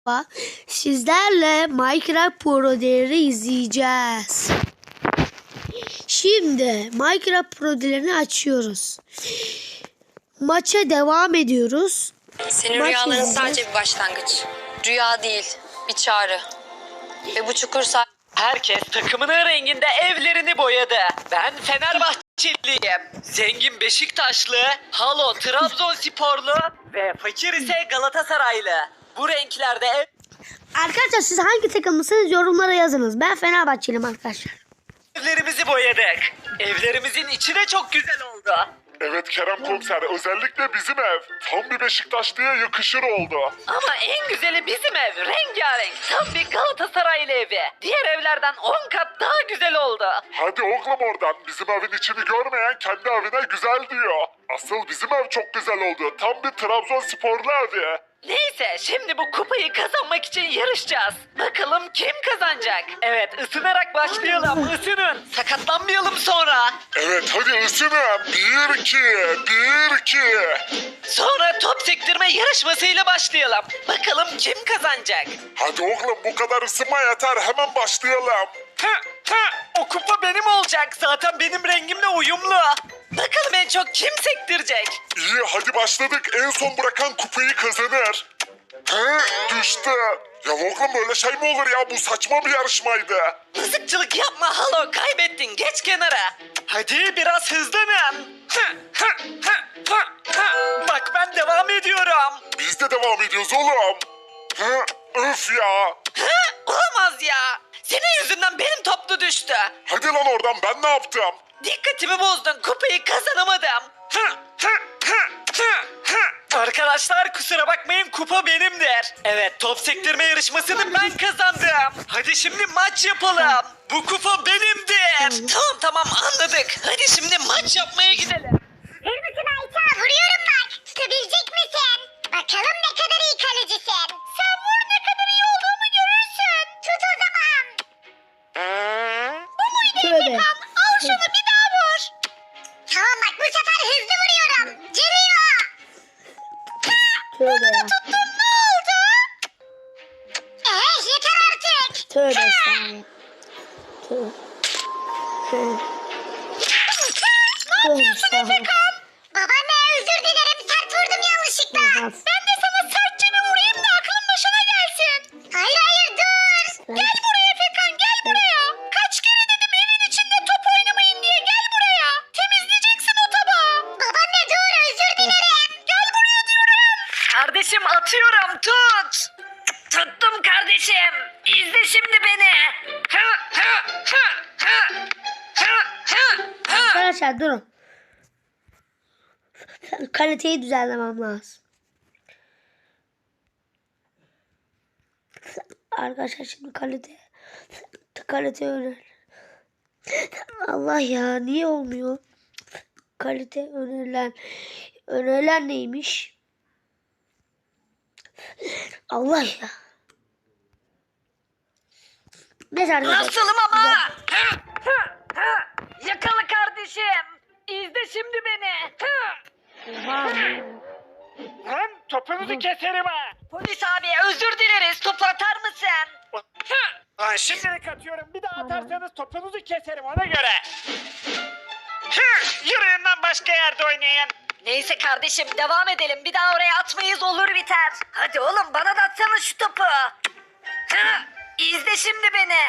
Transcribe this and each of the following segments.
Sizlerle Minecraft Pro değeri izleyeceğiz. Şimdi Minecraft Pro değerini açıyoruz. Maça devam ediyoruz. Senin rüyaların sadece bir başlangıç. Rüya değil, bir çağrı. Ve bu çukur Herkes takımının renginde evlerini boyadı. Ben Fenerbahçeliyim. Zengin Beşiktaşlı, Halo Trabzonsporlu ve fakir ise Galatasaraylı. Bu renklerde Arkadaşlar siz hangi takımlısınız yorumlara yazınız. Ben Fenerbahçeliyim arkadaşlar. evlerimizi boyadık. Evlerimizin içi de çok güzel oldu. Evet Kerem Komiser, özellikle bizim ev. Tam bir Beşiktaşlı'ya yakışır oldu. Ama en güzeli bizim ev. Rengarenk. Tam bir Galatasaraylı evi. Diğer evlerden 10 kat daha güzel oldu. Hadi oğlum oradan, bizim evin içini görmeyen kendi evine güzel diyor. Asıl bizim ev çok güzel oldu. Tam bir Trabzonsporlu evi. Neyse şimdi bu kupayı kazanmak için yarışacağız. Bakalım kim kazanacak? Evet ısınarak başlayalım. Isının. Sakatlanmayalım sonra. Evet hadi ısının. 1-2, 1-2. Sonra top sektirme yarışmasıyla başlayalım. Bakalım kim kazanacak? Hadi oğlum bu kadar ısınma yeter, hemen başlayalım. O kupa benim olacak. Zaten benim rengimle uyumlu. Bakalım en çok kim sektirecek? İyi hadi başladık, en son bırakan kupayı kazanır. Düştü. Ya oğlum böyle şey mi olur ya, bu saçma bir yarışmaydı. Mızıkçılık yapma Halo, kaybettin, geç kenara. Hadi biraz hızlanın. Bak ben devam ediyorum. Biz de devam ediyoruz oğlum. Öf ya. Olamaz ya. Senin yüzünden benim toplu düştü. Hadi lan oradan, ben ne yaptım? Dikkatimi bozdun, kupayı kazanamadım. Arkadaşlar kusura bakmayın, kupa benimdir. Evet, top sektirme yarışmasını ben kazandım. Hadi şimdi maç yapalım. Bu kupa benimdir. Tamam anladık. Hadi şimdi maç yapmaya gidelim. Hazır mısın Ayça? Vuruyorum bak. Tutabilecek misin? Bakalım ne kadar iyi kalecisin. Sen vur, ne kadar iyi olduğumu görürsün. Tut o zaman. Bu muydu Efekan? Al şunu bir daha vur. Tamam bak, bu sefer hızlı vuruyorum. Geliyor. Tövbe ya. Tuttum, ne oldu? Yeter artık. Tövbe estağfurullah. Ne yapıyorsun Efekan? Babaanne özür dilerim, sert vurdum yanlışlıkla. Ben de sana sertçe bir vurayım da aklın başına gelsin. Hayır dur. Gel buraya Efekan, gel buraya. Kaç kere dedim evin içinde top oynamayın diye, gel buraya. Temizleyeceksin o tabağı. Babaanne dur, özür dilerim. Gel buraya diyorum. Kardeşim atıyorum, tut. Tuttum kardeşim. İzle şimdi beni. Arkadaşlar durun. Kaliteyi düzenlemem lazım. Arkadaşlar şimdi kalite öner. Allah ya, niye olmuyor? Kalite önerilen neymiş? Allah ya. Neyse arkadaşlar. Nasılım ama? Yakala kardeşim. İzle şimdi beni. Lan topunuzu keserim ha. Polis abi özür dileriz. Topu atar mısın? Lan şimdilik atıyorum. Bir daha atarsanız topunuzu keserim ona göre. Yürüyün lan, başka yerde oynayın. Neyse kardeşim devam edelim. Bir daha oraya atmayız, olur biter. Hadi oğlum bana da atsana şu topu. İzle şimdi beni.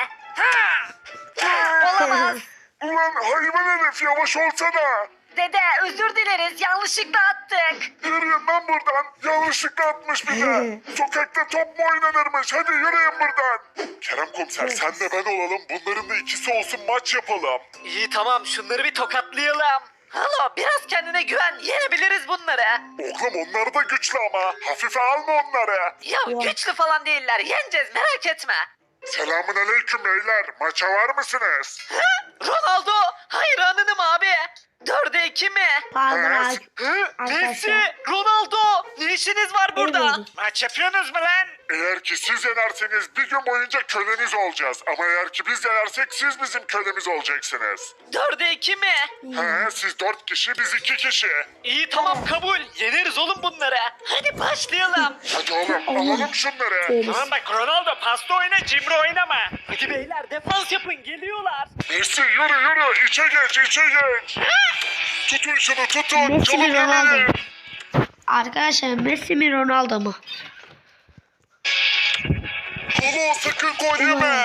Olamaz. Ulan hayvan herif, yavaş olsana. Dede özür dileriz, yanlışlıkla attık. Yürüyün lan buradan. Yanlışlıkla atmış bir de. Sokakta top mu oynanırmış? Hadi yürüyün buradan. Kerem Komiser, sen de ben olalım. Bunların da ikisi olsun, maç yapalım. İyi tamam, şunları bir tokatlayalım. Halo biraz kendine güven, yenebiliriz bunları. Oğlum onlar da güçlü ama. Hafife alma onları. Ya güçlü falan değiller, yeneceğiz merak etme. Selamun aleyküm beyler. Maça var mısınız? Ronaldo hayranınım abi. 4'e 2 mi? Pardon Evet. Messi, arkadaşlar. Ronaldo, ne işiniz var burada? Evet. Maç yapıyorsunuz mu lan? Eğer ki siz yenerseniz bir gün boyunca köleniz olacağız. Ama eğer ki biz yenersek siz bizim kölemiz olacaksınız. 4'e 2 mi? He, siz 4 kişi, biz 2 kişi. İyi tamam kabul. Yeneriz oğlum bunları. Hadi başlayalım. Hadi oğlum alalım şunları. Tamam bak Ronaldo pasta oyna cimri oynama. Hadi beyler defans yapın geliyorlar. Messi yürü içe geç. Tutun şunu tutun. Messi mi, Çabuk Ronaldo yemeyin. mu? Arkadaşlar Messi mi Ronaldo mu? Kolo sakın gol yeme.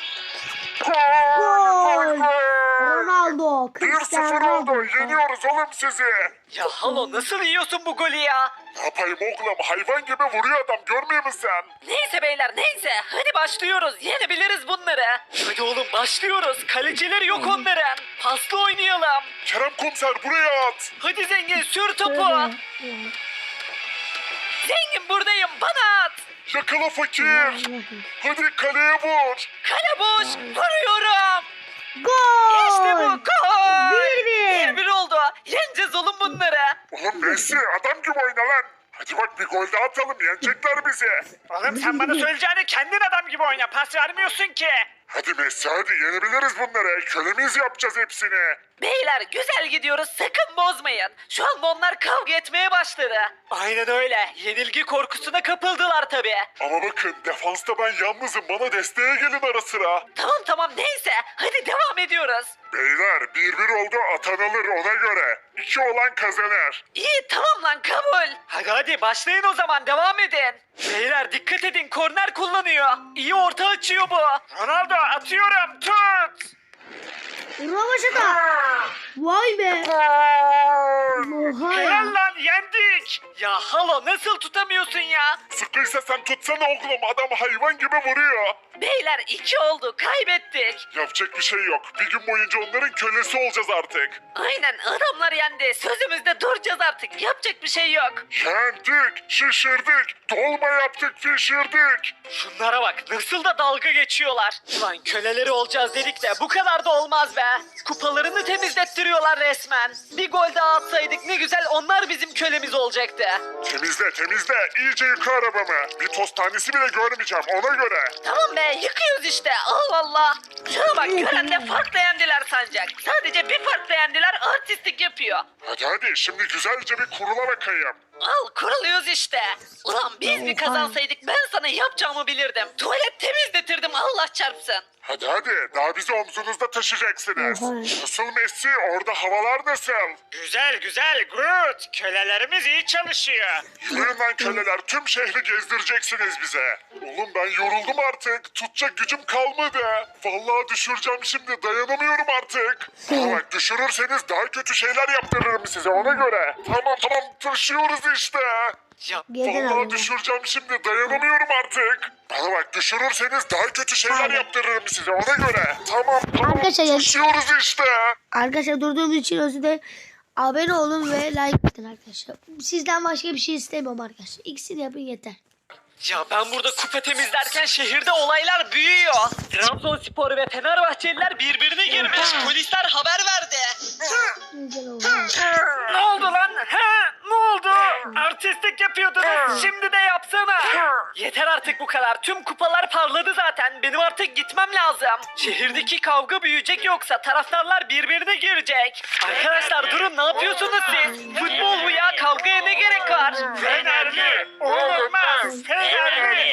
Gol! Ronaldo. 1-0 oldu. Yeniyoruz oğlum sizi. Ya halo nasıl yiyorsun bu golü ya? Ne yapayım oğlum? Hayvan gibi vuruyor adam. Görmüyor musun sen? Neyse beyler neyse. Hadi başlıyoruz. Yenebiliriz bunları. Hadi oğlum başlıyoruz. Kalecileri yok onların. Paslı oynayalım. Kerem komiser buraya at. Hadi zengin sür topu. Zengin buradayım bana at. Yakala fakir. Hadi kaleye vur. Kale boş. Vuruyorum. Gol! İşte bu gol. 1-1. 1-1 oldu. Yeneceğiz oğlum bunları. Oğlum Messi adam gibi oyna lan. Hadi bak bir gol daha atalım. Yenecekler bizi. Oğlum sen bana söyleyeceğini kendin adam gibi oyna. Pas vermiyorsun ki. Hadi Messi hadi yenebiliriz bunları. Kölemiz yapacağız hepsini. Beyler güzel gidiyoruz sakın bozmayın. Şu anda onlar kavga etmeye başladı. Aynen öyle. Yenilgi korkusuna kapıldılar tabii. Ama bakın defansta ben yalnızım. Bana desteğe gelin ara sıra. Tamam neyse. Hadi devam ediyoruz. Beyler 1-1 oldu atan alır ona göre. 2 olan kazanır. İyi tamam lan kabul. Hadi başlayın o zaman devam edin. Beyler dikkat edin korner kullanıyor. İyi orta açıyor bu. Ronaldo atıyorum tut. Rövaşata. Vay be. Oha ya. Helal lan yendik. Ya halo nasıl tutamıyorsun ya? Sıkıysa sen tutsana oğlum adam hayvan gibi vuruyor. Beyler 2 oldu kaybettik. Yapacak bir şey yok. Bir gün boyunca onların kölesi olacağız artık. Aynen adamlar yendi. Sözümüzde duracağız artık. Yapacak bir şey yok. Yendik, şişirdik, dolma yaptık, pişirdik. Şunlara bak nasıl da dalga geçiyorlar. Ulan köleleri olacağız dedik de bu kadar da olmaz be. Kupalarını temizlettiriyorlar resmen. Bir gol daha atsaydık ne güzel onlar bizim kölemiz olacaktı. Temizle, iyice yıka arabamı. Bir toz tanesi bile görmeyeceğim ona göre. Tamam be yıkıyoruz işte Allah Allah. Şuna bak gören de farklı yendiler sancak. Sadece bir farklı yendiler artistlik yapıyor. Hadi şimdi güzelce bir kurula bakayım. Al kuruluyoruz işte. Ulan biz bir kazansaydık ben sana yapacağımı bilirdim. Tuvalet temizletirdim Allah çarpsın. Hadi daha bizi omzunuzda taşıyacaksınız. Oha. Nasıl Messi orada havalar nasıl? Güzel good. Kölelerimiz iyi çalışıyor. Yürüyün lan köleler tüm şehri gezdireceksiniz bize. Oğlum ben yoruldum artık. Tutacak gücüm kalmadı. Vallahi düşüreceğim şimdi dayanamıyorum artık. Ama bak düşürürseniz daha kötü şeyler yaptırırım size ona göre. Tamam taşıyoruz işte. Ya Gelen Vallahi araba. düşüreceğim şimdi dayanamıyorum artık. Bana bak düşürürseniz daha kötü şeyler yaptırırım size ona göre. Tamam Arkadaşlar ya- taşıyoruz işte. Arkadaşlar durduğumuz için özür dilerim. Abone olun ve like atın arkadaşlar. Sizden başka bir şey istemiyorum arkadaşlar. İkisini yapın yeter. Ya ben burada kupa temizlerken şehirde olaylar büyüyor. Trabzonspor ve Fenerbahçeliler birbirine girmiş. Polisler haber verdi. Güzel oldu. Ne oldu lan? Ne oldu? Artistlik yapıyordunuz. Şimdi de yapsana. Yeter artık bu kadar. Tüm kupalar parladı zaten. Benim artık gitmem lazım. Şehirdeki kavga büyüyecek yoksa taraftarlar birbirine girecek. Arkadaşlar durun ne yapıyorsunuz siz? Futbol bu ya. Kavgaya ne gerek var? Fenerli olmaz. Fenerli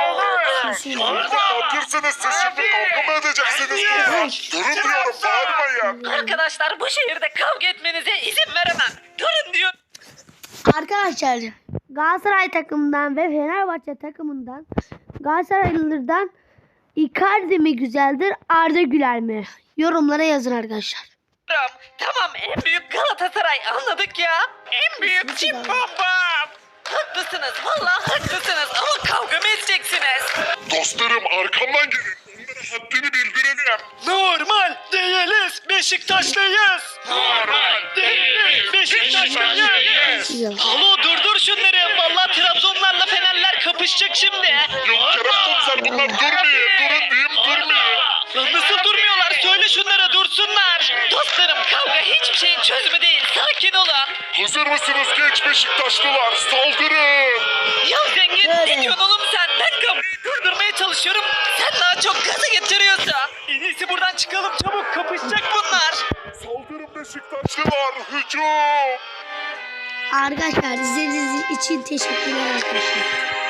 olur. Orada ne yapıyorsunuz siz şimdi kavga mı edeceksiniz burada? Durun diyorum bağırmayın. Arkadaşlar bu şehirde kavga etmenize izin veremem. Durun diyor. Arkadaşlar Galatasaray takımından ve Fenerbahçe takımından Galatasaraylılardan Icardi mi güzeldir Arda Güler mi? Yorumlara yazın arkadaşlar. Tamam en büyük Galatasaray anladık ya. En büyük Çin bombam. Haklısınız vallahi haklısınız ama kavga mı edeceksiniz? Dostlarım arkamdan gelin. Onlara haddini bildirelim. Normal değiliz Beşiktaşlıyız. Normal değiliz Beşiktaşlıyız. Güzel. Halo durdur şunları. Vallahi Trabzonlarla Fenerler kapışacak şimdi. Yok Kerem komiser bunlar durmuyor. Durun diyeyim durmuyor. Lan nasıl durmuyorlar? Söyle şunlara dursunlar. Dostlarım kavga hiçbir şeyin çözümü değil. Sakin olun. Hazır mısınız genç Beşiktaşlılar? Saldırın. Ya zengin ne diyorsun oğlum sen? Ben çalışıyorum. Sen daha çok gaza getiriyorsun. En iyisi buradan çıkalım çabuk. Kapışacak bunlar. Saldırın Beşiktaşlılar, hücum! Arkadaşlar izlediğiniz için teşekkürler arkadaşlar.